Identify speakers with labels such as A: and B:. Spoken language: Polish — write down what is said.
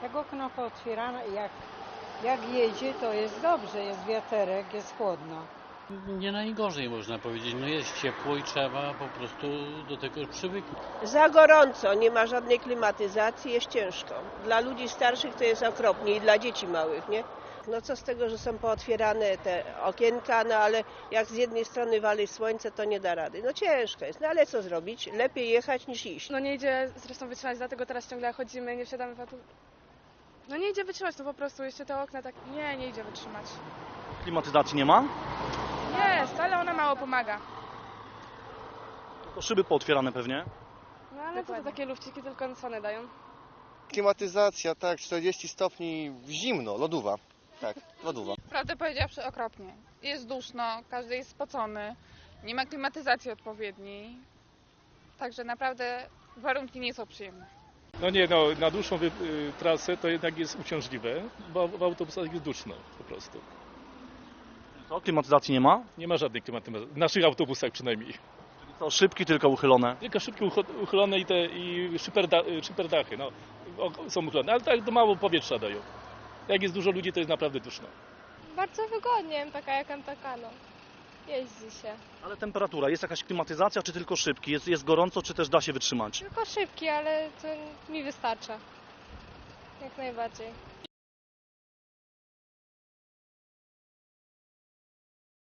A: Jak okno pootwierane, jak jedzie, to jest dobrze, jest wiaterek, jest chłodno.
B: Nie najgorzej można powiedzieć, no jest ciepło i trzeba po prostu do tego przywyknąć.
C: Za gorąco, nie ma żadnej klimatyzacji, jest ciężko. Dla ludzi starszych to jest okropnie i dla dzieci małych, nie? No co z tego, że są pootwierane te okienka, no ale jak z jednej strony wali słońce, to nie da rady. No ciężko jest, no ale co zrobić? Lepiej jechać niż iść.
D: No nie idzie zresztą wytrzymać, dlatego teraz ciągle chodzimy, nie wsiadamy w auto. No nie idzie wytrzymać, no po prostu jeszcze te okna tak, nie idzie wytrzymać.
E: Klimatyzacji nie ma?
D: Jest, ale ona mało pomaga.
E: To szyby pootwierane pewnie.
D: No ale to takie lufciki tylko co one dają.
F: Klimatyzacja, tak, 40 stopni, zimno, lodówa. Tak, lodówa.
G: Prawdę powiedziawszy, okropnie. Jest duszno, każdy jest spocony, nie ma klimatyzacji odpowiedniej. Także naprawdę warunki nie są przyjemne.
H: No nie, no na dłuższą trasę to jednak jest uciążliwe, bo w autobusach jest duszno po prostu.
E: Co, klimatyzacji nie ma?
H: Nie ma żadnej klimatyzacji, w naszych autobusach przynajmniej.
E: To szybki tylko uchylone.
H: Tylko szybkie uchylone i szyberdachy, no, są uchylone, ale tak mało powietrza dają. Jak jest dużo ludzi, to jest naprawdę duszno.
I: Bardzo wygodnie, taka jak taka, no. Jeździ się.
E: Ale temperatura, jest jakaś klimatyzacja, czy tylko szybki? Jest gorąco, czy też da się wytrzymać?
I: Tylko szybki, ale to mi wystarcza. Jak najbardziej.